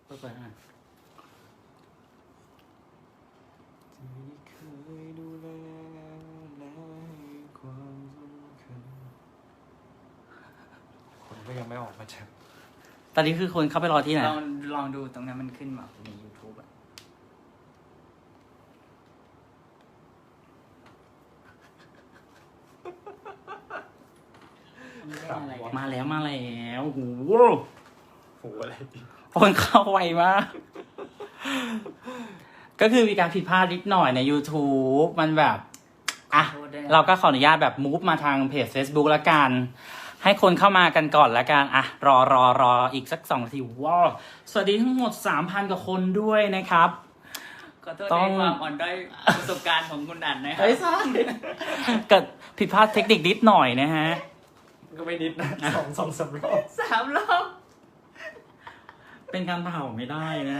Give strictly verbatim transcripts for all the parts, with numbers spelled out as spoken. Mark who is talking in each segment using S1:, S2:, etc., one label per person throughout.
S1: ค่อยๆอ่านที่เคยดูแลและให้ความสำคัญคนก็ยังไม่ออกมาจาก
S2: ตอนนี้คือคนเข้าไปรอที่ไหน
S3: ลองลองดูตรงนั้นมันขึ้นมาใน YouTube อะมันเล่นอะไรกัน
S2: มาแล้วมาแล้วโอ้โห
S1: โหอะไรดิ
S2: คนเข้าไวมาก ก็คือมีการผิดพลาดนิดหน่อยใน YouTube มันแบบ อ่ะ
S3: ขอโทษด้วยนะ
S2: เราก็ขออนุญาตแบบมูฟมาทางเพจ Facebook ละกัน ให้คนเข้ามากันก่อนละกัน อ่ะ รอรอรออีกสักสองนาทีว้าวสวัสดีทั้งหมด สามพัน กว่าคนด้วยนะครับ
S3: ขอโทษ
S2: ต้
S3: ใน
S2: อง
S3: ความอ่อนด้อยประสบการณ์ของคุณอันนะครั
S2: เฮ้ยใช่เกิดผิดพลาดเทคนิคนิดหน่อยนะฮะ
S1: ก็ไม่นิดนะสองสองสามรอบ
S3: สามรอบ
S2: เป็นการเผาไม่ได้นะ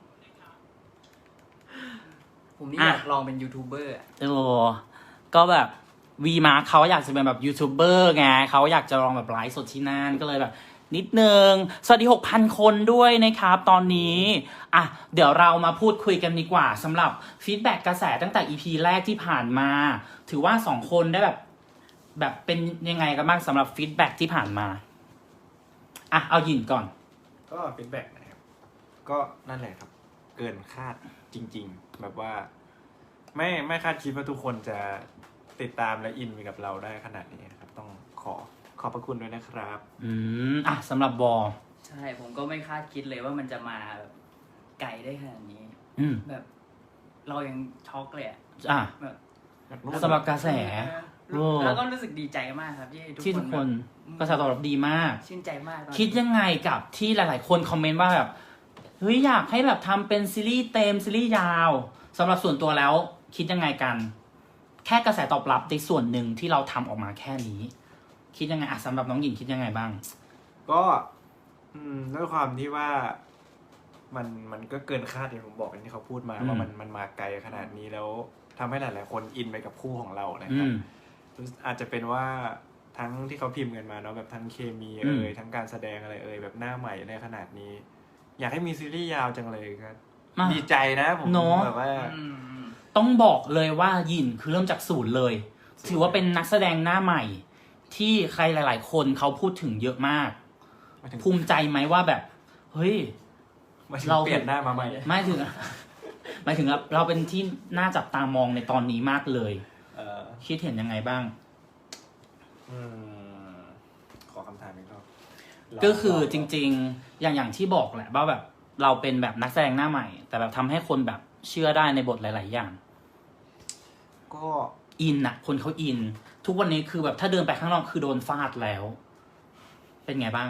S3: ผมนี่
S2: อ่ะ
S3: อยากลองเป็นยูทูบเบอร์อะ
S2: โอ้ก็แบบวีมาร์คเขาอยากจะเป็นแบบยูทูบเบอร์ไงเขาอยากจะลองแบบไลฟ์สดที่นั่นก็เลยแบบ นิดนึง สวัสดี หกพัน คนด้วยนะครับ ตอนนี้ อ่ะ เดี๋ยวเรามาพูดคุยกันดีกว่าสำหรับฟีดแบ็กกระแสตั้งแต่ อี พี แรกที่ผ่านมา ถือว่าสองคนได้แบบ แบบเป็นยังไงกันบ้างสำหรับฟีดแบ็กที่ผ่านมา อ่ะ เอาหยินก่อน
S1: ก็ฟีดแบ็กนะครับก็นั่นแหละครับ เกินคาดจริง ๆ แบบว่า ไม่ไม่คาดคิดว่าทุกคนจะติดตามและอินไปกับเราได้ขนาดนี้นะครับ ต้องขอขอบพระคุณด้วยนะครับ
S2: อืม อ่ะสำหรับบอ
S3: ใช่ผมก็ไม่คาดคิดเลยว่ามันจะมาแบบไกลได้ขนาดนี้
S2: อืม
S3: แบบ เรายังช็อกเลยอะ
S2: อ่ะ
S3: แบบ
S2: สำหรับกระแส
S3: เออแล้วก็รู้สึกดีใจมากครับ ที่ทุก
S2: ที่
S3: ค
S2: ทุ
S3: น
S2: ก
S3: แบ
S2: คน
S3: บ
S2: กระแสตอบรับดีมาก
S3: ชื่นใจมากตอนนี้
S2: คิดยังไงกับที่หลาย ๆ คนคอมเมนต์ว่าแบบเฮ้ยอยากให้แบบทำเป็นซีรีส์เต็มซีรีส์ยาวสำหรับส่วนตัวแล้ว คิดยังไงกัน แค่กระแสตอบรับในส่วนหนึ่งที่เราทำออกมาแค่นี้ คิดยังไงอ่ะสำหรับน้องหญิงคิดยังไงบ้าง
S1: ก็อืมด้วยความที่ว่ามันมันก็เกินคาดอย่างผมบอกอย่างที่เขาพูดมา
S2: อืม
S1: ว่ามันมันมาไกลขนาดนี้แล้วทำให้หลาย ๆ คนอินไปกับคู่ของเรานะค
S2: อื
S1: รับ
S2: ม
S1: อาจจะเป็นว่าทั้งที่เขาพิมพ์กันมาเนาะแบบทั้งเคมี
S2: อืม
S1: เอ่ยทั้งการแสดงอะไรเอ่ยแบบหน้าใหม่ในขนาดนี้ อยากให้มีซีรีส์ยาวจังเลยครับ
S2: มา
S1: ดีใจนะผม
S2: เนอะ
S1: แบบว่า
S3: อืม
S2: ต้องบอกเลยว่าหยินคือเริ่มจากศูนย์เลย ถือว่าเป็นนักแสดงหน้าใหม่ ที่ใครหลาย ๆ คนเขาพูดถึงเยอะมาก
S1: มาถึง
S2: ภูมิใจไหมว่าแบบ เฮ้ย
S1: มาถึง
S2: เรา
S1: เปลี่ยนหน้ามาใหม่
S2: ไม่ถึง หมายถึงเราเป็นที่น่าจับตามองในตอนนี้มากเลย
S1: เออ
S2: คิดเห็นยังไงบ้าง
S1: อืมขอคำถามอีกรอบ
S2: ก็คือจริงๆ อย่างอย่างที่บอกแหละว่าแบบเราเป็นแบบนักแสดงหน้าใหม่ แต่แบบทำให้คนแบบเชื่อได้ในบทหลาย ๆ อย่าง
S1: ก็
S2: อินอะคนเขาอิน ทุกวันนี้คือแบบถ้าเดินไปข้างนอกคือโดนฟาดแล้ว เป็นไงบ้าง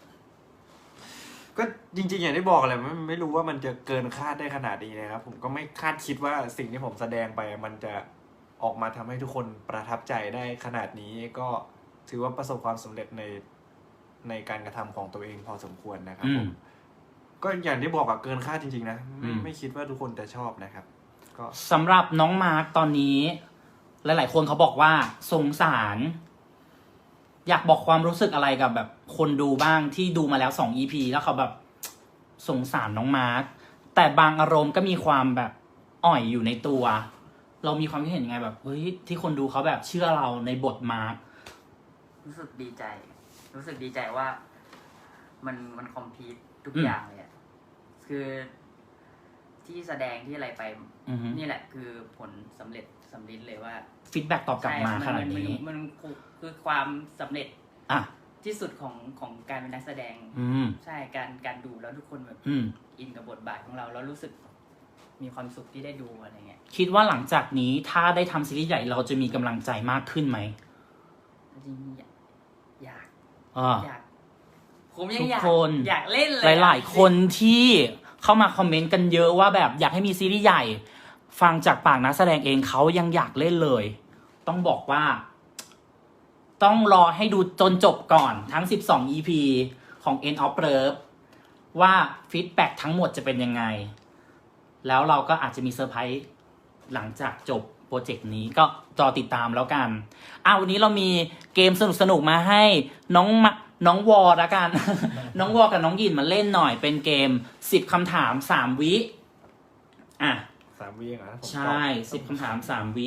S1: ก็จริง ๆ อย่างที่บอกแหละไม่ไม่รู้ว่ามันจะเกินคาดได้ขนาดนี้นะครับ ผมก็ไม่คาดคิดว่าสิ่งที่ผมแสดงไป มันจะออกมาทำให้ทุกคนประทับใจได้ขนาดนี้ ก็ถือว่าประสบความสำเร็จในในการกระทำของตัวเองพอสมควรนะครับ
S2: อื
S1: ผม มก็อย่างที่บอกอะเกินคาดจริง ๆ นะ
S2: อื
S1: ไม่
S2: ม
S1: ไม่คิดว่าทุกคนจะชอบนะครับ ก็
S2: สำหรับน้องมาร์กตอนนี้ หลาย ๆ คนเขาบอกว่าสงสาร อยากบอกความรู้สึกอะไรกับแบบคนดูบ้างที่ดูมาแล้วสอง อี พี แล้วเขาแบบสงสารน้องมาร์กแต่บางอารมณ์ก็มีความแบบอ่อยอยู่ในตัว เรามีความคิดเห็นยังไงแบบเฮ้ยที่คนดูเขาแบบเชื่อเราในบทมาร์ก
S3: รู้สึกดีใจ รู้สึกดีใจว่า มันมันคอมพลีททุก
S2: อืม
S3: อย่างเลยอะคือที่แสดงที่อะไรไป
S2: อือฮึ
S3: นี่แหละคือผลสำเร็จสำลิดเลยว่า
S2: ฟีดแบ็กตอบกลับมา
S3: ใช่
S2: ขนาด
S3: มั
S2: นี้
S3: มันมันคือความสำเร็จ
S2: อ่ะ
S3: ที่สุดของของการเป็นนักแสดง
S2: อืม
S3: ใช่การการดูแล้วทุกคนแบบ
S2: อืม
S3: อินกับบทบาทของเราแล้วรู้สึกมีความสุขที่ได้ดูอะไรเงี้ย
S2: คิดว่าหลังจากนี้ถ้าได้ทำซีรีส์ใหญ่เราจะมีกำลังใจมากขึ้นไหม
S3: จริงๆอยากอยาก
S2: อ่า
S3: อยากผมยังอยาก
S2: ทุกคน
S3: อยากเล่นเลย
S2: หลาย ๆ คนที่เข้ามาคอมเมนต์กันเยอะว่าแบบอยากให้มีซีรีส์ใหญ่ ฟังจากปากนักแสดงเองเขายังอยากเล่นเลย ต้องบอกว่า ต้องรอให้ดูจนจบก่อนทั้งสิบสอง อี พี ของ End of Love ว่าฟีดแบ็กทั้งหมดจะเป็นยังไง แล้วเราก็อาจจะมีเซอร์ไพรส์หลังจากจบโปรเจกต์นี้ก็รอติดตามแล้วกันอ้าววันนี้เรามีเกมสนุกๆมาให้น้องมาน้องวอละกัน น้องวอกับน้องหยินมาเล่นหน่อยเป็นเกมสิบคำถามสามวิอ่ะ
S1: สามวิเองเหรอผมตอบ
S2: ใช่สิบคำถามสามวิ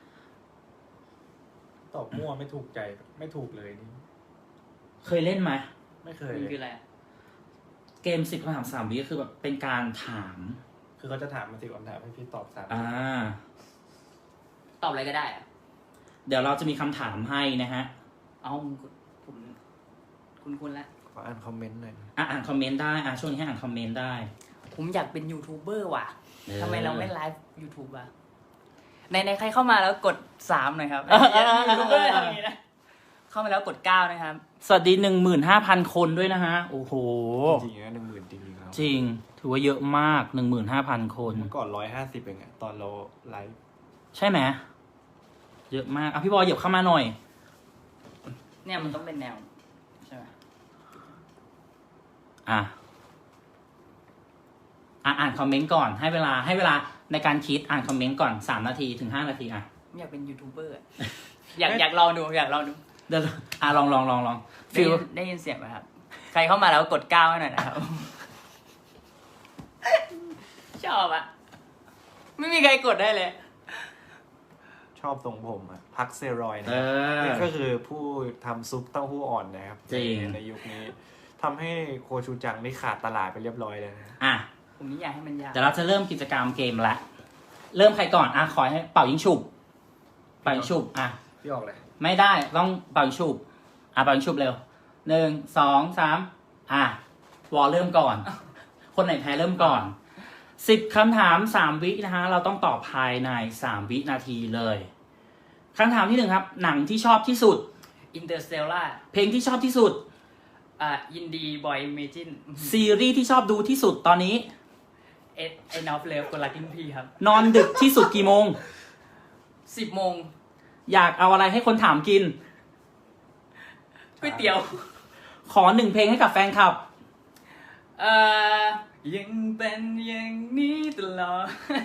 S1: ตอบมั่วไม่ถูกใจไม่ถูกเลยนี่
S2: เคยเล่นไหม
S1: ไม่เคย
S3: มัน
S1: เลย
S3: คืออะไรอะ
S2: เกมสิบคำถามสามวิก็คือแบบเป็นการถาม
S1: คือเขาจะถามมาสิบคำถามให้พี่ตอบสาม
S2: อ่า
S3: ตอบอะไรก็ได้อะ
S2: เดี๋ยวเราจะมีคำถามให้นะฮะ
S3: เอาผมคุณคุณละ
S1: ขออ่านคอมเมนต์หน่อย
S2: อ่ะอ่านคอมเมนต์ได้อ่ะช่วงนี้ให้อ่านคอมเมนต์ได้
S3: ผมอยากเป็นยูทูบเบอร์ว่ะ
S2: ออ
S3: ทำไมเราไม่ไลฟ์ยูทูบอ่ะในในใครเข้ามาแล้วกดสามหน่อยครับ
S2: เออเออเออ
S3: ยูทูบเบอร์ทำอย่างนี้นะเข้ามาแล้วกดเก้านะครับ
S2: สวัสดีหนึ่งหมื่นห้าพันคนด้วยนะฮะ โอ้โห
S1: จริงๆนะหนึ่งหมื่นจริงๆครับ
S2: จริง ถือว่าเยอะมากหนึ่งหมื่นห้าพันคน
S1: เมื่อก่อนร้อยห้าสิบเองอะตอนเราไลฟ์
S2: ใช่ไหมเยอะมากอ่ะพี่บอยเหยียบเข้ามาหน่อย
S3: เนี่ยมันต้องเป็นแนวใช่ไหม
S2: อ่ะอ่ะอ่านคอมเมนต์ก่อนให้เวลาให้เวลาในการคิดอ่านคอมเมนต์ก่อนสามนาทีถึงห้านาทีอ่ะ
S3: ผมอยากเป็นยูทูบเบอร์อะอยากอยากลองดูอยากลองดู
S2: เดี๋ยวอ่ะลองลองลองลอง
S3: ได้
S2: ฟิล
S3: ยินได้ยินเสียงไหมครับ ใครเข้ามาแล้วกดเก้าให้หน่อยนะครับ ชอบอะไม่มีใครกดได้เลย
S1: ชอบทรงผมอะพักเซรอยด์นะ
S2: เออ
S1: นี่ก็คือผู้ทำซุปเต้าหู้อ่อนนะครับ
S2: จริง
S1: ในในยุคนี้ทำให้โคชูจังนี่ขาดตลาดไปเรียบร้อยเลยนะ
S2: อ่ะ
S3: ผมนี่อยากให้มันยาก
S2: เดี๋ยวเราจะเริ่มกิจกรรมเกมละเริ่มใครก่อนอ่ะขอให้เป่ายิงฉุบเป่ายิงฉุบอ่ะ
S1: พี่ออกเลย
S2: ไม่ได้ต้องเป่ายิงฉุบอ่ะเป่ายิงฉุบเร็วหนึ่งสองสามอ่ะวอลเริ่มก่อน คนไหนแพ้เริ่มก่อนสิบคำถามสามวินะฮะเราต้องตอบภายในสามวินาทีเลยคำถามที่หนึ่งครับ หนังที่ชอบที่สุด
S3: อินเตอร์สเตลล่า
S2: เพลงที่ชอบที่สุด
S3: อ่าอินดีบอยเมจิน
S2: ซีรีส์ที่ชอบดูที่สุดตอนนี้
S3: เอสไอนอฟเลฟกดลักกิ้งพีครับ
S2: นอนดึกที่สุดกี่โมง
S3: สิบโมง
S2: อยากเอาอะไรให้คนถามกิน
S3: ก๋วยเตี๋ยว
S2: ขอหนึ่งเพลงให้กับแฟนคลับ
S3: เอ่อยังเป็นอย่างนี้ตลอด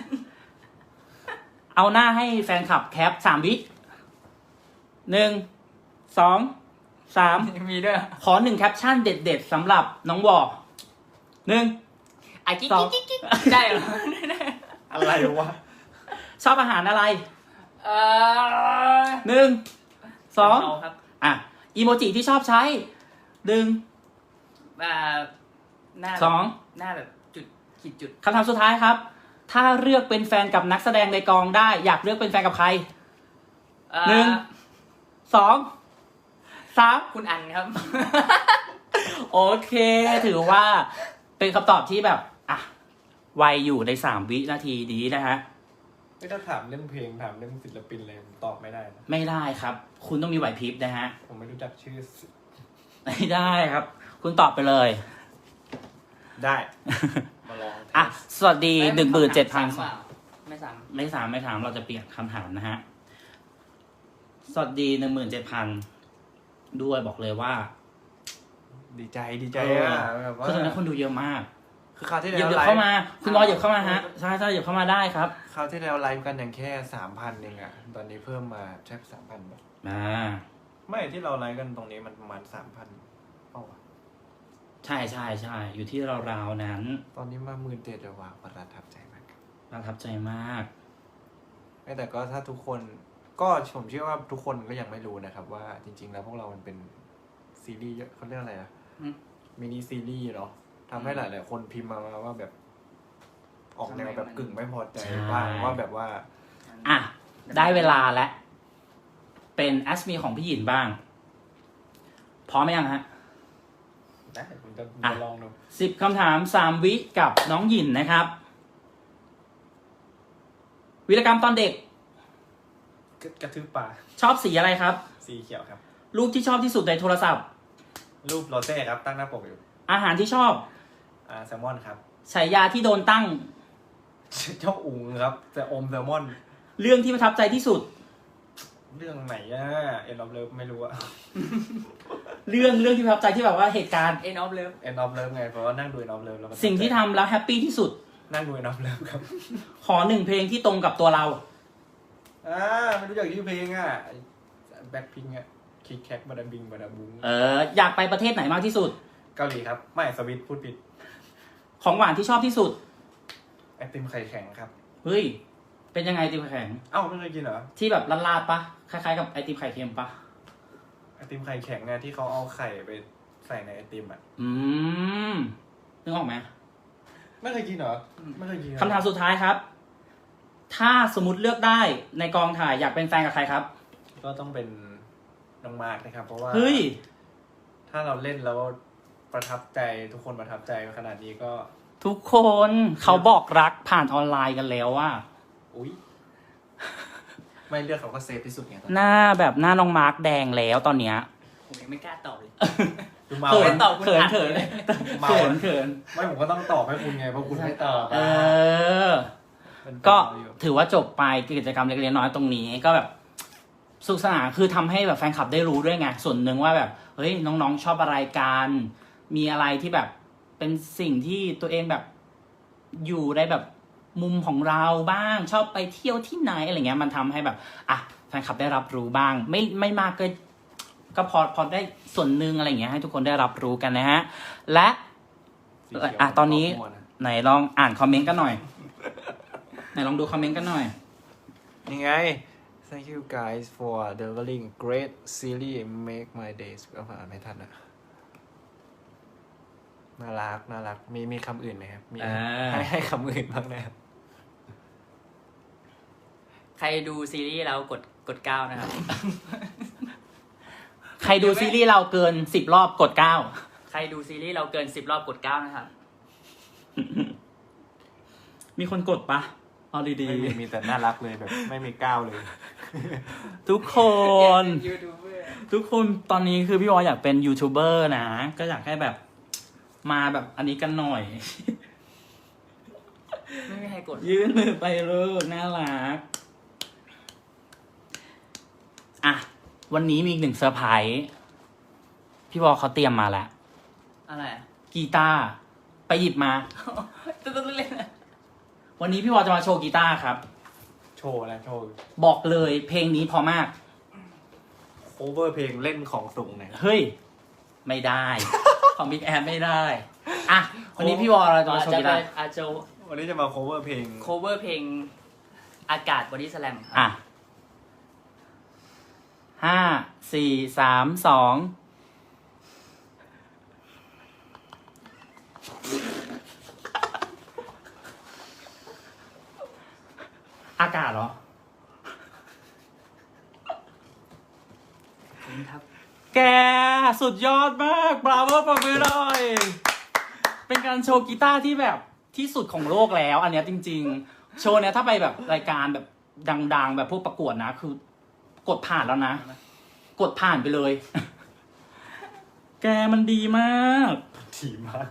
S2: เอาหน้าให้แฟนคลับแคปสามวิหนึ่งสองสาม
S3: มีด้วย
S2: ขอหนึ่งแคปชั่นเด็ดๆสำหรับน้องวอหนึ่ง
S3: ไอ้กิ๊ก
S2: สอง
S3: กิ๊กกิ๊กได้เหรอ
S1: อะไรวะ
S2: ชอบอาหารอะไร
S3: เอ่อ
S2: หนึ่งสอง
S3: เาครับ
S2: อ่ะอีโมจิที่ชอบใช้หนึ่ง
S3: อ่าหน้า
S2: สอง
S3: หน้าแบบจุดขีดจุด
S2: คำถามสุดท้ายครับ ถ้าเลือกเป็นแฟนกับนักแสดงในกองได้ อยากเลือกเป็นแฟนกับใคร
S3: เอ่อ
S2: หนึ่ง สองสาม
S3: คุณอันครับ
S2: โอเค ถือว่าเป็นคำตอบที่แบบ อ่ะ ไวอยู่ในสามวินาทีนี้นะฮะ
S1: ไม่ถ้าถามเรื่องเพลงถามเรื่องศิลปินเลยผมตอบไม่ได้นะ
S2: ไม่ได้ครับ คุณต้องมีไหวพริบนะฮะ
S1: ผมไม่รู้จักชื่อ
S2: ไม่ได้ครับ คุณตอบไปเลย
S1: ได้ มาลอง
S2: อ่ะ สวัสดีหนึ่งหมื่นเจ็ดพัน
S3: ไม่สาม
S2: ไม่สามไม่ถามเราจะเปลี่ยนคำถามนะฮะ สวัสดีหนึ่งหมื่นเจ็ดพันด้วยบอกเลยว่า
S1: ดีใจดีใจ
S2: เออ
S1: อะแบบว่า
S2: เพราะฉะนั้นคนดูเยอะมาก
S1: คือคราวที่
S2: เห
S1: แล้
S2: ยียบ
S1: ว
S2: เหยียบ
S1: ไล
S2: เข้า
S1: ฟ์
S2: มา คุณรอเหยียบเข้ามาฮะ ใช่ใช่เหยียบเข้ามาได้ครับ
S1: คราวที่แล้วไลฟ์กันอย่างแค่สามพันเองอะตอนนี้เพิ่มมาแค่สามพันแบบ
S2: อ่า
S1: ไม่ที่เราไลฟ์กันตรงนี้มันประมาณสามพันเปล่าวะ
S2: ใช่ใช่ใช่อยู่ที่ราวๆนั้น
S1: ตอนนี้มาหมื่นเจ็ดแล้วว่ะประทับใจมากครับ
S2: ประทับใจมาก
S1: ไม่แต่ก็ถ้าทุกคนก็ผมเชื่อว่าทุกคนก็ยังไม่รู้นะครับ ว่าจริง ๆ แล้วพวกเรามันเป็นซีรีส์เยอะเขาเรียกอะไรอะ
S3: อืม
S1: มินิซีรีส์เนาะทำให้หลายๆคนพิมพ์มาว่าแบบ ออกแนวแบบกึ่งไม่พอใจ
S2: ใช่
S1: บ้างว่าแบบว่า
S2: อ่ะ ได้เวลาแล้ว เป็นแอสมีของพี่หยินบ้าง พร้อมไหมยังฮะ
S1: ได้ผมจะผม
S2: อ่ะ
S1: จะลองดู
S2: สิบคำถามสามวิกับน้องหยินนะครับ วีรกรรมตอนเด็ก
S1: กระทืบปลา
S2: ชอบสีอะไรครับ
S1: สีเขียวครับ
S2: รูปที่ชอบที่สุดในโทรศัพท์
S1: รูปโรเซ่ครับ ตั้งหน้าปกอยู่
S2: อาหารที่ชอบ
S1: อ่าแซลมอนครับ
S2: ฉายาที่โดนตั้ง
S1: เจ้าอุ๋งครับแต่อมแซลมอน
S2: เรื่องที่ประทับใจที่สุด
S1: เรื่องไหนอะเอ็นออฟเลิฟไม่รู้อะ
S2: เรื่องเรื่องที่ประทับใจที่แบบว่าเหตุการณ์
S3: เอ็นออฟเลิฟ
S1: เอ็นออฟเลิฟไงเพราะว่านั่งดูเอ็นออฟเลิฟแล้วมัน
S2: สิ่งที่ทำแล้วแฮปปี้ที่สุด
S1: นั่งดูเอ็นออฟเลิฟครับ
S2: ขอหนึ่งเพลงที่ตรงกับตัวเรา
S1: อ่าไม่รู้จักชื่อเพลงอะแบ็คพิงอะคิกแคกบาดาบิงบาดาบุ้ง
S2: เอออยากไปประเทศไหนมากที่สุด
S1: เกาหลีครับไม่สวิตพูดผิด
S2: ของหวานที่ชอบที่สุด
S1: ไอติมไข่แข็งครับ
S2: เฮ้ยเป็นยังไงไอติมไข่แข็ง
S1: เอ้าไม่เคยกินเหรอ
S2: ที่แบบลาดๆปะคล้ายๆกับไอติมไข่เค็มปะ
S1: ไอติมไข่แข็งเนี่ยที่เขาเอาไข่ไปใส่ในไอติมอ่ะ
S2: อืมนึกออกไหม
S1: ไม่เคยกินเหรอไม่เคยกิน
S2: คำถามสุดท้ายครับ ถ้าสมมติเลือกได้ในกองถ่ายอยากเป็นแฟนกับใครครับ
S1: ก็ต้องเป็นน้องมาร์กนะครับเพราะว่า
S2: เฮ้ย
S1: ถ้าเราเล่นแล้วประทับใจทุกคนประทับใจขนาดนี้ก็
S2: ทุกคนเขาบอกรักผ่านออนไลน์กันแล้วว่า
S1: อุ๊ย ไม่เลือกเขาก็เซฟที่สุดไงตอน
S2: หน้าแบบหน้าน้องมาร์กแดงแล้วตอนเนี้ย
S3: ผมยังไม่กล้าตอบเลย
S1: ดูเมา
S2: เขิ
S1: ไหม
S2: นตอบเขินเขิน
S1: เมา
S2: เขินเขิน
S1: ไม่ผมก็ต้องตอบให้คุณไงเพราะคุณไม่ตอบ
S2: เออ
S1: เป็น
S2: ก็
S1: เมาอยู่
S2: ถือว่าจบไปกิจกรรมเล็กๆน้อยๆตรงนี้ก็แบบสนุกสนานคือทำให้แบบแฟนคลับได้รู้ด้วยไงส่วนหนึ่งว่าแบบเฮ้ยน้องๆชอบอะไรกันมีอะไรที่แบบเป็นสิ่งที่ตัวเองแบบอยู่ในแบบมุมของเราบ้างชอบไปเที่ยวที่ไหนอะไรเงี้ยมันทำให้แบบอ่ะแฟนคลับได้รับรู้บ้าง ไม่ไม่มากก็ก็พอพอได้ส่วนหนึ่งอะไรเงี้ยให้ทุกคนได้รับรู้กันนะฮะและ
S1: สีเขียว
S2: อ่ะตอนนี้
S1: ม่วงะ
S2: ไหนลองอ่านคอมเมนต์กันหน่อยไหนลองดูคอมเมนต์กันหน่อย
S1: นี่ไง thank you guys for delivering great series make my days ก็อ่านไม่ทันอะน่ารักน่ารักมีมีคำอื่นไหมครับมี
S2: อ่า
S1: ให้ให้คำอื่นบ้างนะครับ
S3: ใครดูซีรีส์แล้วกดกดเก้านะครับ
S2: ใครดูซีรีส์เราเกินสิบรอบกดเก้า
S3: ใครดูซีรีส์เราเกินสิบรอบกดเก้านะครับ
S2: มีคนกดปะเอาดี
S1: ไม่มีมีแต่น่ารักเลยแบบไม่มีก้าวเลย
S2: ๆ ทุกคน
S3: ยูทูบเบอร์
S2: ทุกคนตอนนี้คือพี่วออยากเป็นยูทูบเบอร์นะ ก็อยากให้แบบมาแบบอันนี้กันหน่อย
S3: ไม่มีใครกด
S2: ยื่นมือไปเลยน่ารัก อ่ะ วันนี้มีอีกหนึ่งเซอร์ไพรส์พี่วอเขาเตรียมมาแล้ว
S3: อะไรอะ
S2: กีตาร์ไปหยิบมา
S3: ตุ๊ดๆเล่นๆนะ
S2: วันนี้พี่วอจะมาโชว์กีตาร์ครับ
S1: โชว์อะไรโชว์
S2: บอกเลยเพลงนี้พอมาก
S1: โคเวอร์เพลงเล่นของสูงเนี่ย
S2: เฮ้ย ไม่ได้ ของบิ๊กแอนไม่ได้ อ่ะ วันนี้พี่วอเราจะมาโชว์
S3: จะ
S2: กี
S3: ไป
S2: ตาร์
S3: อาจจะ
S1: วันนี้จะมาโคเวอร์เพลง
S3: โคเวอร์เพลงอากาศบอดี้สแลมครับ
S2: อ่ะห้าสี่สามสองอากาศเหรอ
S3: ครับ
S2: แกสุดยอดมากบราโวปรบมือหน่อย เป็นการโชว์กีตาร์ที่แบบที่สุดของโลกแล้ว อันเนี้ยจริง ๆ โชว์เนี้ยถ้าไปแบบรายการแบบดัง ๆ แบบพวกประกวดนะ คือกดผ่านแล้วนะ กดผ่านไปเลย แกมันดีมาก
S1: ถี่มาก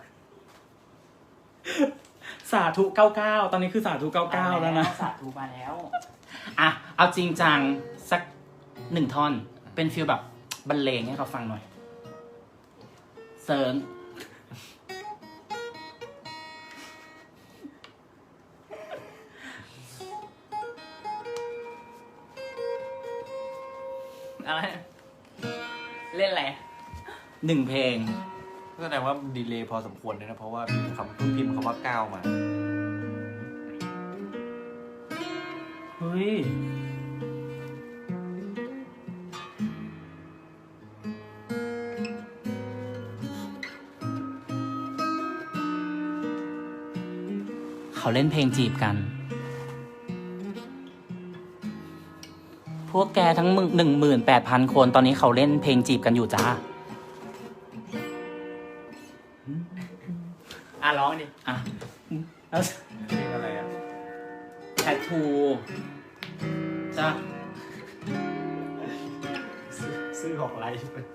S2: สาธุเก้าเก้าตอนนี้คือสาธุเก้าเก้าแล้วนะ
S3: สาธุมาแล้ว
S2: อ่ะ เอาจริงจังสักหนึ่งท่อน เป็นฟีลแบบบรรเลงให้เขาฟังหน่อย เซิร์ง
S3: อะไร เล่นอะไร
S2: หนึ่งเพลง
S1: แสดงว่าดีเลย์พอสมควรเลยนะ เพราะว่าพิมพ์คำเพิ่งพิมพ์คำว่าก้าวมา
S2: เฮ้ย เขาเล่นเพลงจีบกัน พวกแกทั้งหนึ่งหมื่นแปดพันคนตอนนี้เขาเล่นเพลงจีบกันอยู่จ้า
S3: อ่ะร้องดิ
S2: อ่ะแล้ว
S1: เพลงอะไรอ่ะ
S2: แททูจ้า
S1: ซื้อของไลฟ์ไป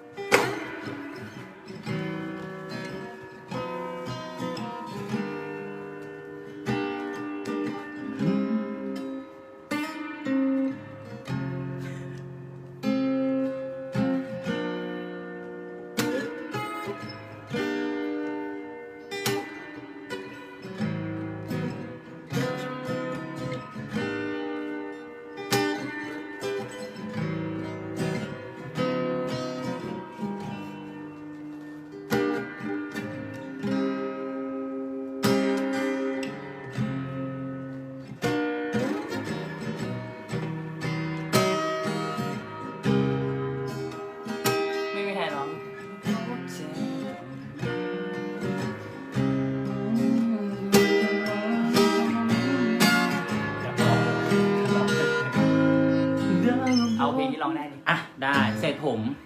S3: องได้ดิ
S2: อ่ะได้เสร็จผม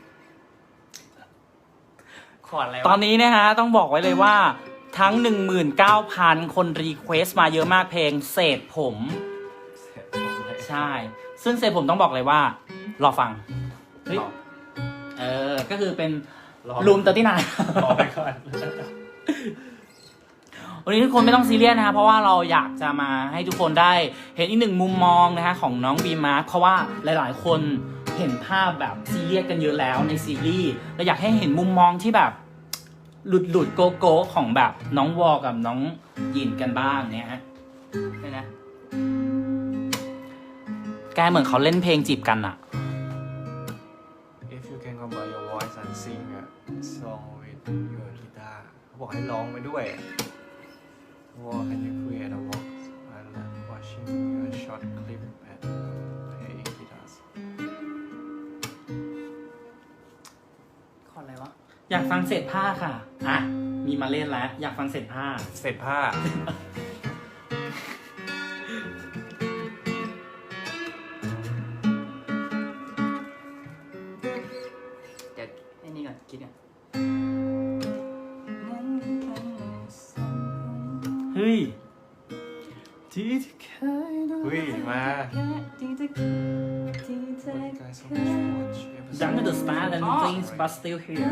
S3: ขอดอะไร
S2: ตอนนี้นะฮะต้องบอกไว้เลยว่าทั้ง หนึ่งหมื่นเก้าพัน คนรีเควสต์มาเยอะมากเพลงเศษผม
S1: เสร็จผมเลย
S2: ใช่ ซึ่งเศษผมต้องบอกเลยว่า รอฟังเฮ้ย
S1: รอ
S2: เออ ก็คือเป็น
S1: รอ
S2: รูมเตอร์ที่นาย
S1: รอไปก่อน
S2: วันนี้ทุกคนไม่ต้องซีเรียสนะฮะเพราะว่าเราอยากจะมาให้ทุกคนได้เห็นอีกหนึ่งมุมมองนะฮะของน้องบีมาร์คเพราะว่าหลายๆคนเห็นภาพแบบซีเรียสกันเยอะแล้วในซีรีส์เราอยากให้เห็นมุมมองที่แบบหลุดหลุดโกโก้ของแบบน้องวอกับน้องยินกันบ้างเนี่ยฮะ
S3: เลยนะ
S2: แกเหมือนเขาเล่นเพลงจีบกันอะ
S1: If you can combine your voice and sing a song with your guitar เขาบอกให้ร้องไปด้วย What can you create a walk while watching your short clip and playing guitars
S3: ขอดอะไรวะ
S2: อยากฟังเศษผ้าค่ะอ่ะมีมาเล่นแล้วอยากฟังเศษผ้า
S1: เสร็จผ้า
S3: เดี๋ยวไอ้นี่ก่อนคิดก่อน
S2: เฮ้ย
S1: เฮ้ย มา
S2: Young the star and things but still here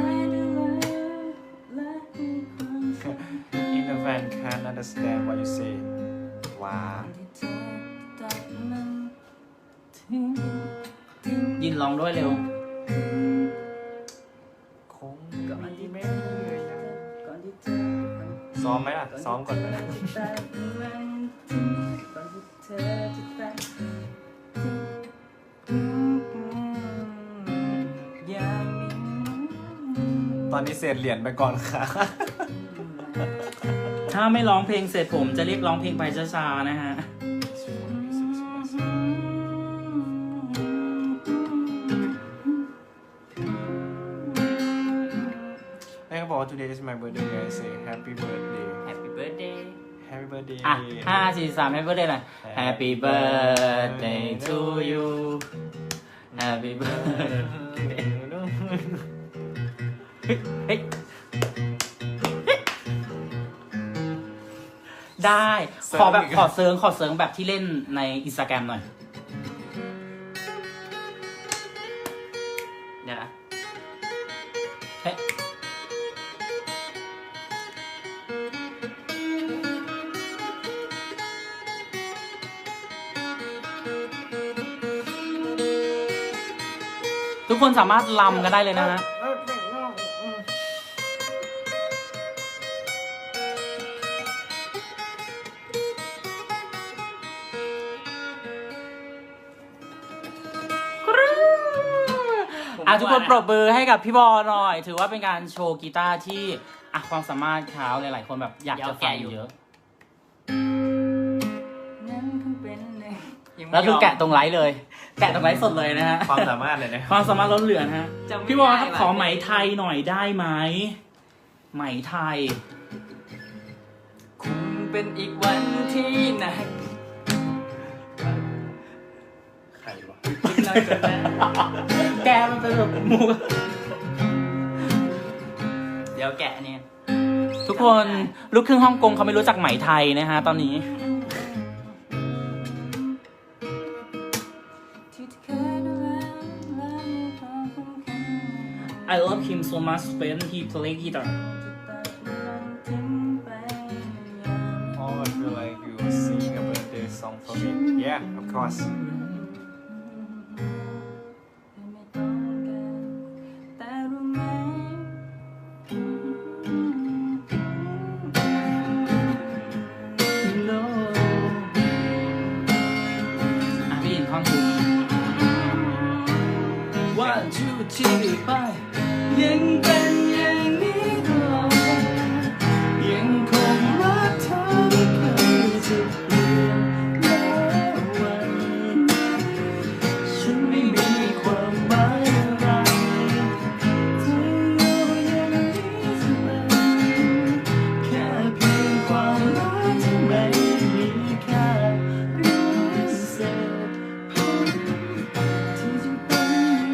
S1: In the van can't understand what you say ว้า
S2: ยินร้องด้วยเร็ว
S1: คงดีไม่เหนื่อยนะ
S3: ก่อนที่เธอ
S1: ซ้อมไหมล่ะ ซ้อมก่อนไหม
S3: ก่อนที่เธอจะตัดอย่างนี้
S1: ตอนนี้เศษเหรียญไปก่อนค่ะ
S2: ถ้าไม่ร้องเพลงเสร็จผมจะเรียกร้องเพลงไปช้าๆนะฮะ
S1: แม่ก็บอกว่า today is my birthday I say happy birthday
S3: Happy birthday
S1: happy birthday
S2: อ่ะห้าสี่สาม Happy birthday หน่อย Happy birthday to you Happy birthday เฮ้ยได้ ขอแบบขอเซิร์งขอเซิร์งแบบที่เล่นในอินสตาแกรมหน่อย
S3: เดี๋ยวนะ
S2: เฮ้ยทุกคนสามารถลำกันได้เลยนะฮะ อ่ะทุกคนปรบมือให้กับพี่บอลหน่อย ถือว่าเป็นการโชว์กีตาร์ที่อ่ะความสามารถเขาหลายๆคนแบบอยากจะฟังเยอะ
S3: นั่นคงเป็นหนึ่งยังไม่
S2: แล้วคือย
S3: ม
S2: แกะตรงไลฟ์เลย แกะตรงไลฟ์สดเลยนะฮะ
S1: ความสามารถเลยนะ
S2: ความสามารถล้นเหลือนะฮะ
S3: จำไม่
S2: พี่บอลครับ
S3: ได้ว่ะ
S2: ขอไหมไทยหน่อยได้ไหมไหมไทย
S3: คงเป็นอีกวันที่หนัก
S1: ใครวะ
S3: คิดน้อยกว่านั้น
S2: แกมันเป็นแบบมูก
S3: เดี๋ยวแกะเนี่ย
S2: ทุกคนลูกครึ่งฮ่องกงเขาไม่รู้จักไหมไทยนะฮะตอนนี้ I love him so much when he play guitar.
S1: Oh I feel like you sing a birthday song for me Yeah of course
S2: No อ่ะพี่ยินท่อนคุณ One two three five ยังเป็นอย่างนี้ตลอดยังคงรักเธอไม่เคยจะเปลี่ยนแม้วันฉันไม่มีความหมายอะไรเธออยู่อย่างนี้เสมอแค่เพียงความรักที่ไม่มีค่าหรือเศษผมที่จะเป็น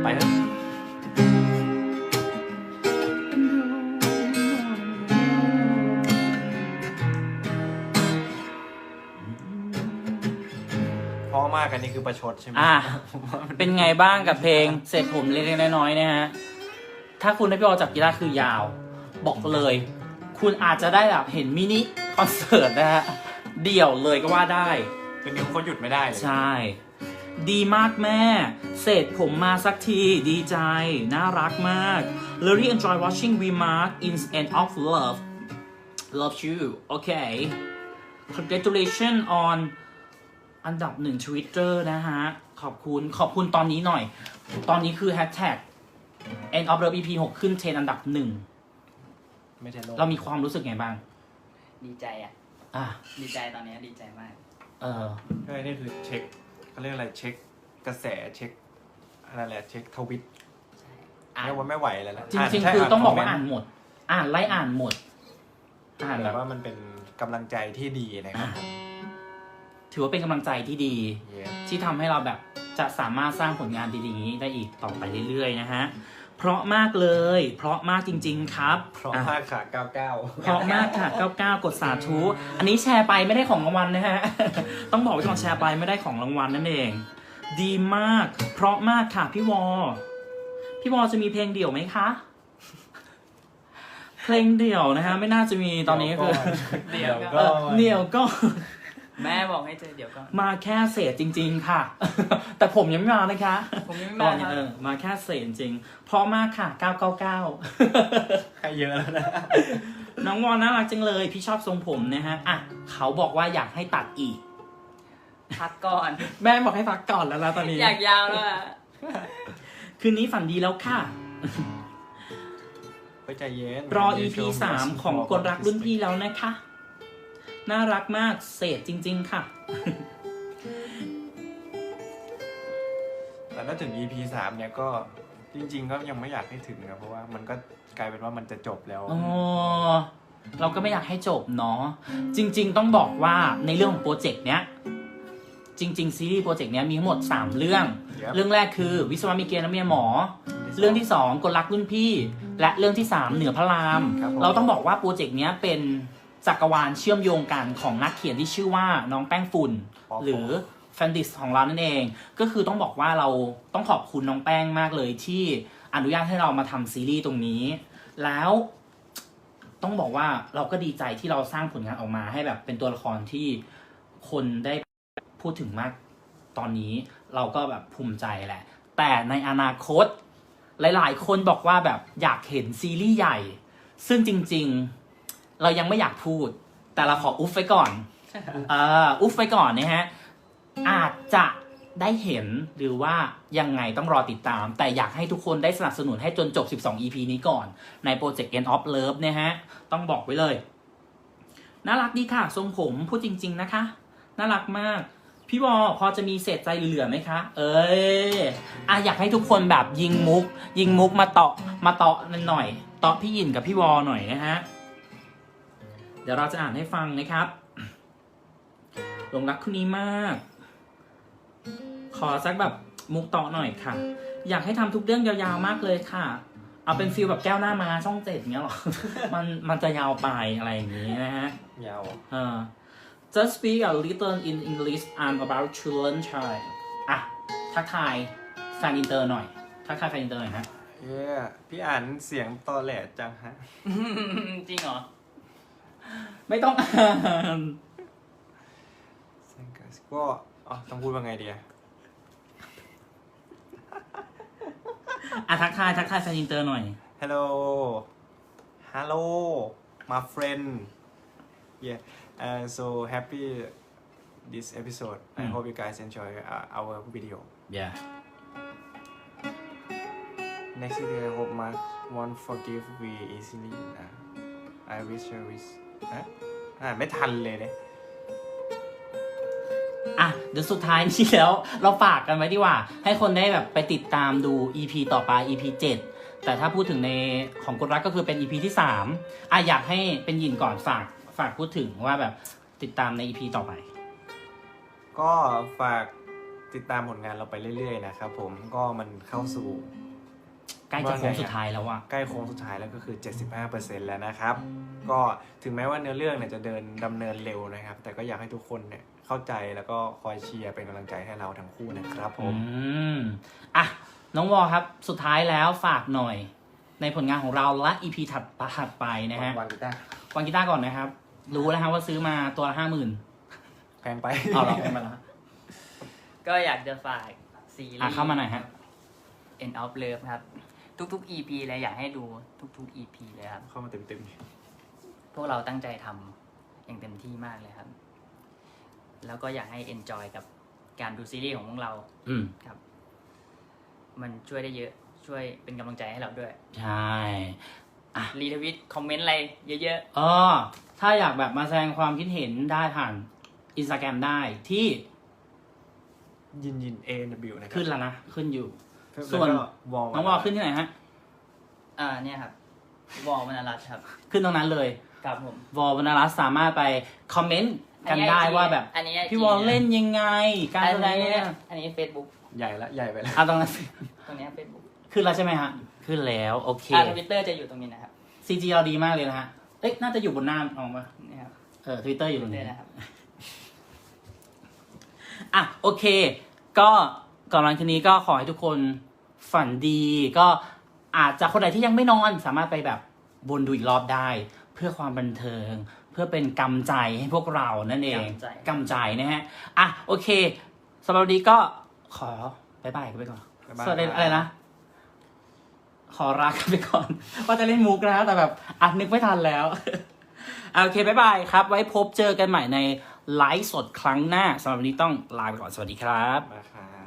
S2: ไปเถอะ
S1: เพราะมากอันนี้คือประชดใช่ไหม
S2: อ่ะ
S1: ผมว่ามัน
S2: เป็นไงบ้างกับเพลงเสร็จผมเล็กๆน้อยๆนะฮะ ถ้าคุณได้พี่ออจับกีตาร์คือยาว บอกเลย คุณอาจจะได้แบบเห็นมินิคอนเสิร์ตนะฮะ เดี่ยวเลยก็ว่าได้
S1: คือนิ้วเขาหยุดไม่ได้เลย
S2: ใช่ ดีมากแม่ เสร็จผมมาสักที ดีใจ น่ารักมาก Really enjoy watching Remark in End of Love Love you okay Congratulations on อันดับหนึ่ง Twitter นะฮะ ขอบคุณ ขอบคุณตอนนี้หน่อย ตอนนี้คือ Hashtag End of Love อี พี หก ขึ้นเทรนด์อันดับหนึ่ง
S1: ไม่ใช่โลก
S2: เรามีความรู้สึกไงบ้าง
S3: ดีใจอ่ะ
S2: อ่ะ
S3: ดีใจตอนนี้ดีใจมาก
S2: เออ
S1: ใช่นี่คือเช็คเขาเรียกอะไรเช็คกระแสเช็คอะไรแหละเช็คทวิต
S3: อ่าน
S1: เรียกว่าไม่ไหวแล้วนะ
S2: จริง
S1: ใช่
S2: ๆ คือต้องบอกว่า
S1: ค
S2: อ่านหมด อ่านไล่อ่านหมด อ่าน
S1: เมนต์
S2: แบ
S1: แบบ บว่ามันเป็นกำลังใจที่ดีนะครับผม
S2: ถือว่าเป็นกำลังใจที่ดี
S1: เย้
S2: ที่ทำให้เราแบบจะสามารถสร้างผลงานดีๆนี้ได้อีกต่อไปเรื่อยๆนะฮะ เพราะมากเลย เพราะมากจริง ๆ ครับ
S1: เพราะ
S2: อ่ะ
S1: มากค่ะเก้าเก้า
S2: เพราะมากค่ะเก้าเก้ากดสาธุ อันนี้แชร์ไปไม่ได้ของรางวัลนะฮะ ต้องบอกไว้ก่อนแชร์ไปไม่ได้ของรางวัลนั่นเอง ดีมาก เพราะมากค่ะพี่วอ พี่วอจะมีเพลงเดี่ยวไหมคะ เพลงเดี่ยวนะฮะไม่น่าจะมีตอนนี้คือ
S3: เดี๋ยว
S1: เดี๋ยว
S3: ก็
S1: ก็
S2: เออเดี่ยวก็
S3: แม่บอกให้เจอเดี๋ยวก็
S2: มาแค่เศษจริง ๆ ค่ะ แต่ผมยังไม่มานะคะ
S3: ผมยังไม่
S2: ตอ
S3: มาน
S2: นี้
S3: ครับ
S2: เออมาแค่เศษจริงเพราะมากค่ะเก้าเก้าเก้า
S1: ให้เยอะแล้วนะ
S2: น้องวอนน่ารักจังเลย พี่ชอบทรงผมนะฮะอ่ะเขาบอกว่าอยากให้ตัดอีก
S3: พักก่อน
S2: แม่บอกให้พักก่อนแล้วนะตอนนี้
S3: อยากยาวแล้วอะ
S2: คืนนี้ฝันดีแล้วค่ะ
S1: ไปใจเย็น
S2: รอ อี พี สามของกลรักรุ่นพี่แล้วนะคะ น่ารักมากเศษจริง ๆ ค่ะ
S1: แต่ถ้าถึง อี พี สามเนี่ยก็จริง ๆ ก็ยังไม่อยากให้ถึงนะเพราะว่ามันก็กลายเป็นว่ามันจะจบแล้ว
S2: อ๋อ เราก็ไม่อยากให้จบเนาะ จริง ๆ ต้องบอกว่าในเรื่องของโปรเจกต์เนี้ย จริง ๆ ซีรีส์โปรเจกต์เนี้ยมีทั้งหมดสามเรื่อง
S1: Yep
S2: เรื่องแรกคือวิศวะมีเกณฑ์และเมียหมอ เรื่องที่สองกลรักรุ่นพี่ และเรื่องที่สามเหนือพระราม
S1: ครับผม
S2: เราต้องบอกว่าโปรเจกต์เนี้ยเป็นจักรวาลเชื่อมโยงกันของนักเขียนที่ชื่อว่าน้องแป้งฝุ่น หรือแฟนดิสของเรานั่นเอง ก็คือต้องบอกว่าเราต้องขอบคุณน้องแป้งมากเลยที่อนุญาตให้เรามาทำซีรีส์ตรงนี้ แล้วต้องบอกว่าเราก็ดีใจที่เราสร้างผลงานออกมาให้แบบเป็นตัวละครที่คนได้พูดถึงมากตอนนี้เราก็แบบภูมิใจแหละ แต่ในอนาคต หลายๆ คนบอกว่าแบบอยากเห็นซีรีส์ใหญ่ ซึ่งจริงๆ เรายังไม่อยากพูด แต่เราขออุ๊ฟไว้ก่อนเอ่ออุ๊ฟไว้ก่อนนะฮะ อาจจะได้เห็นหรือว่ายังไงต้องรอติดตาม แต่อยากให้ทุกคนได้สนับสนุนให้จนจบ สิบสอง อี พี นี้ก่อน ในโปรเจกต์ End of Love นะฮะ ต้องบอกไว้เลย น่ารักดีค่ะ ทรงผมพูดจริง ๆ นะคะ น่ารักมาก พี่วอพอจะมีเศษใจเหลือๆไหมคะ เอ้ยอ่ะอยากให้ทุกคนแบบยิงมุก ยิงมุกมาเตาะมาเตาะหน่อยเตาะพี่ยินกับพี่วอหน่อยนะฮะ เดี๋ยวเราจะอ่านให้ฟังนะครับหลงรักคนนี้มาก ขอสักแบบมุกเตาะหน่อยค่ะ อยากให้ทำทุกเรื่องยาวๆมากเลยค่ะ เอาเป็นฟิลแบบแก้วหน้ามาช่องเจ็ดเงี้ยหรอ มันมันจะยาวไปอะไรอย่างนี้นะฮะ
S1: ยาว
S2: เออ Just speak a little in English I'm about to learn Thai อ่ะ ทักทายแฟนอินเตอร์หน่อย ทักทายแฟนอินเตอร์หน่อยฮะ
S1: เย้พี่อ่านเสียงตอแหลจังฮะ
S3: จริงเหรอ
S2: ไม่ต้องอ่าน
S1: ก็อ๋อต้องพูดว่าไงดีอะ
S2: อ่ะ ทักทาย ทักทายแฟนอินเตอร์หน่อย
S1: Hello Hello my friend yeah uh, so happy this episode I
S2: Mm.
S1: hope you guys enjoy uh, our video
S2: yeah
S1: next video I hope Mark won't forgive we easily นะ I wish I wish อ่ะอ่านไม่ทันเลยเนี่ย
S2: อ่ะ เดี๋ยวสุดท้ายนี้แล้ว เราฝากกันไว้ดีกว่า ให้คนได้แบบไปติดตามดู อี พี ต่อไป อี พี เจ็ด แต่ถ้าพูดถึงในของกดรักก็คือเป็น อี พี ที่สามอ่ะอยากให้เป็นยินก่อนฝากฝากพูดถึงว่าแบบติดตามใน อี พี ต่อไป
S1: ก็ฝากติดตามผลงานเราไปเรื่อยๆนะครับผมก็มันเข้าสู่
S2: ใกล้จะโค้งสุดท้ายแล้วอะ
S1: ใกล้โค้งสุดท้ายแล้วก็คือ เจ็ดสิบห้าเปอร์เซ็นต์ แล้วนะครับ ก็ถึงแม้ว่าเนื้อเรื่องเนี่ยจะเดินดำเนินเร็วนะครับ แต่ก็อยากให้ทุกคนเนี่ยเข้าใจแล้วก็คอยเชียร์เป็นกำลังใจให้เราทั้งคู่นะครับผม
S2: อืมอ่ะน้องวอครับสุดท้ายแล้วฝากหน่อย ในผลงานของเราและ อี พี ถัดถัดไปนะฮะ
S1: วันกีตาร์
S2: วางกีตาร์ก่อนนะครับ รู้แล้วฮะว่าซื้อมาตัวละห้าหมื่น
S1: แพงไป
S2: เอาหรอเป็นมาแล้ว
S3: ก็อยากจะฝากซีรี
S2: อ่ะ
S3: ส์
S2: เข้ามาหน่อยฮะ
S3: End of Love ครับ ทุกๆ อี พี เลยอยากให้ดูทุกๆ อี พี เลยครับ
S1: เข้ามาเต็ม
S3: พวกเราตั้งใจทำอย่างเต็มที่มากเลยครับ แล้วก็อยากให้ enjoy กับการดูซีรีส์ของพวกเรา
S2: อืม
S3: ครับ มันช่วยได้เยอะ ช่วยเป็นกำลังใจให้เราด้วย
S2: ใช่
S3: รีทวิต คอมเมนต์อะไรเยอะ
S2: อ๋อถ้าอยากแบบมาแสดงความคิดเห็นได้ผ่านอินสตาแกรมได้ที่
S1: ๆ ยินยิน เอ ดับเบิลยู นะครับ
S2: ขึ้นแล้วนะ ขึ้นอยู่
S1: แล้ว
S2: ส่วน
S1: ก็วอล
S2: น้องวอขึ้นที่ไหนฮะ
S3: ๆ อ่า เนี่ยครับ วอลมนารัตน์ครับ
S2: ขึ้นตรงนั้นเลย
S3: ครับผม
S2: วอลวรรณรัตน์สามารถไปคอมเมนต์กันได้
S3: อันนี้
S2: ว่าแบบ
S3: อันนี้
S2: พี่วอลเล่นยังไง การ
S3: อัน
S2: แสดง
S3: นี้
S2: เนี่ย
S3: อันนี้ Facebook
S1: ใหญ่ละใหญ่ไปแล้ว
S2: อ่ะตรงนั้น
S3: ตรงเนี้ย Facebook
S2: ขึ้นแล้วใช่ไหมฮะ ขึ้นแล้ว โอเค
S3: อ่าทวิตเตอร์จะอยู่ตรงนี้นะครับ
S2: ซีจีเราดีมากเลยนะฮะ เอ๊ะ น่าจะอยู่บนหน้าออกมา
S3: นี่ครับ
S2: เออทวิตเตอร์อยู่ตรง
S3: เตอ
S2: นี้
S3: ร์นะครับ
S2: อ่ะ โอเค ก็ก่อนหลังทีนี้ก็ขอให้ทุกคนฝันดี ก็อาจจะคนไหนที่ยังไม่นอนสามารถไปแบบวนดูอีกรอบได้ เพื่อความบันเทิง เพื่อเป็นกำใจให้พวกเรานั่นเอง
S3: กำใจ
S2: กำใจนะฮะ อ่ะ โอเคสำหรับวันนี้ก็ขอบายบายกันไปก่อน
S1: บ๊ายบาย
S2: สวัสดี
S1: ครับ
S2: อะไรนะ ขอลากันไปก่อน ว่าจะเล่นมุกนะแต่แบบอ่ะนึกไม่ทันแล้ว อ่ะโอเคบายบายครับ ไว้พบเจอกันใหม่ในไลฟ์สดครั้งหน้าสำหรับวันนี้ต้องลาไปก่อน สวัสดีครับ
S1: มาครับ